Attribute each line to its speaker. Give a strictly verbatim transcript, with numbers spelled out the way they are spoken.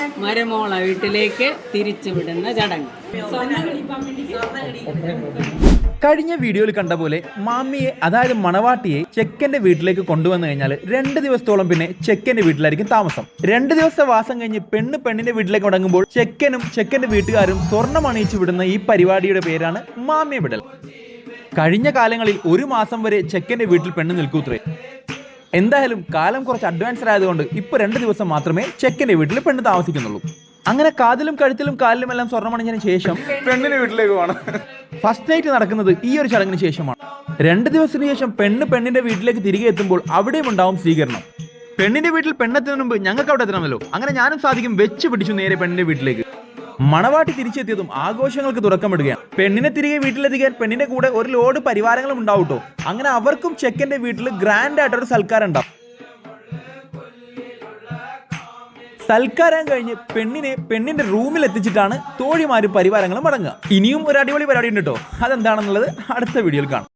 Speaker 1: മരുമോളെ വീട്ടിലേക്ക് തിരിച്ചുവിടുന്ന ചടങ്ങ്.
Speaker 2: കഴിഞ്ഞ വീഡിയോയിൽ കണ്ട പോലെ മാമിയെ അതായത് മണവാട്ടിയെ ചെക്കന്റെ വീട്ടിലേക്ക് കൊണ്ടുവന്നു കഴിഞ്ഞാൽ രണ്ട് ദിവസത്തോളം പിന്നെ ചെക്കന്റെ വീട്ടിലായിരിക്കും താമസം. രണ്ട് ദിവസത്തെ വാസം കഴിഞ്ഞ് പെണ്ണ് പെണ്ണിന്റെ വീട്ടിലേക്ക് മടങ്ങുമ്പോൾ ചെക്കനും ചെക്കന്റെ വീട്ടുകാരും സ്വർണ്ണം അണിയിച്ചു വിടുന്ന ഈ പരിപാടിയുടെ പേരാണ് മാമിയെ വിടൽ. കഴിഞ്ഞ കാലങ്ങളിൽ ഒരു മാസം വരെ ചെക്കന്റെ വീട്ടിൽ പെണ്ണ് നിൽക്കൂത്രേ. എന്തായാലും കാലം കുറച്ച് അഡ്വാൻസ്ഡ് ആയതുകൊണ്ട് ഇപ്പൊ രണ്ട് ദിവസം മാത്രമേ ചെക്കന്റെ വീട്ടിൽ പെണ്ണ് താമസിക്കുന്നുള്ളൂ. അങ്ങനെ കാതിലും കഴുത്തിലും കാലിലും എല്ലാം സ്വർണ്ണമണിഞ്ഞതിന് ശേഷം പെണ്ണിന്റെ വീട്ടിലേക്ക് പോകണം. ഫസ്റ്റ് നൈറ്റ് നടക്കുന്നത് ഈ ഒരു ചടങ്ങിന് ശേഷമാണ്. രണ്ട് ദിവസത്തിന് ശേഷം പെണ്ണ് പെണ്ണിന്റെ വീട്ടിലേക്ക് തിരികെ എത്തുമ്പോൾ അവിടെയും ഉണ്ടാവും സ്വീകരണം. പെണ്ണിന്റെ വീട്ടിൽ പെണ്ണെത്തുന്നതിന് മുമ്പ് ഞങ്ങൾക്ക് അവിടെ എത്തണമല്ലോ. അങ്ങനെ ഞാനും സാധിക്കും വെച്ച് പിടിച്ചു നേരെ പെണ്ണിന്റെ വീട്ടിലേക്ക്. മണവാട്ടി തിരിച്ചെത്തിയതും ആഘോഷങ്ങൾക്ക് തുറക്കമിടുകയാണ്. പെണ്ണിനെ തിരികെ വീട്ടിലെത്തിക്കാൻ പെണ്ണിന്റെ കൂടെ ഒരു ലോഡ് പരിവാരങ്ങളും ഉണ്ടാവട്ടോ. അങ്ങനെ അവർക്കും ചെക്കന്റെ വീട്ടിൽ ഗ്രാൻഡ് ആയിട്ടൊരു സൽക്കാരം ഉണ്ടാവും. സൽക്കാരം കഴിഞ്ഞ് പെണ്ണിനെ പെണ്ണിന്റെ റൂമിൽ എത്തിച്ചിട്ടാണ് തോഴിമാരും പരിവാരങ്ങളും മടങ്ങുക. ഇനിയും ഒരു അടിപൊളി പരിപാടി ഉണ്ട് കേട്ടോ. അതെന്താണെന്നുള്ളത് അടുത്ത വീഡിയോയിൽ കാണാം.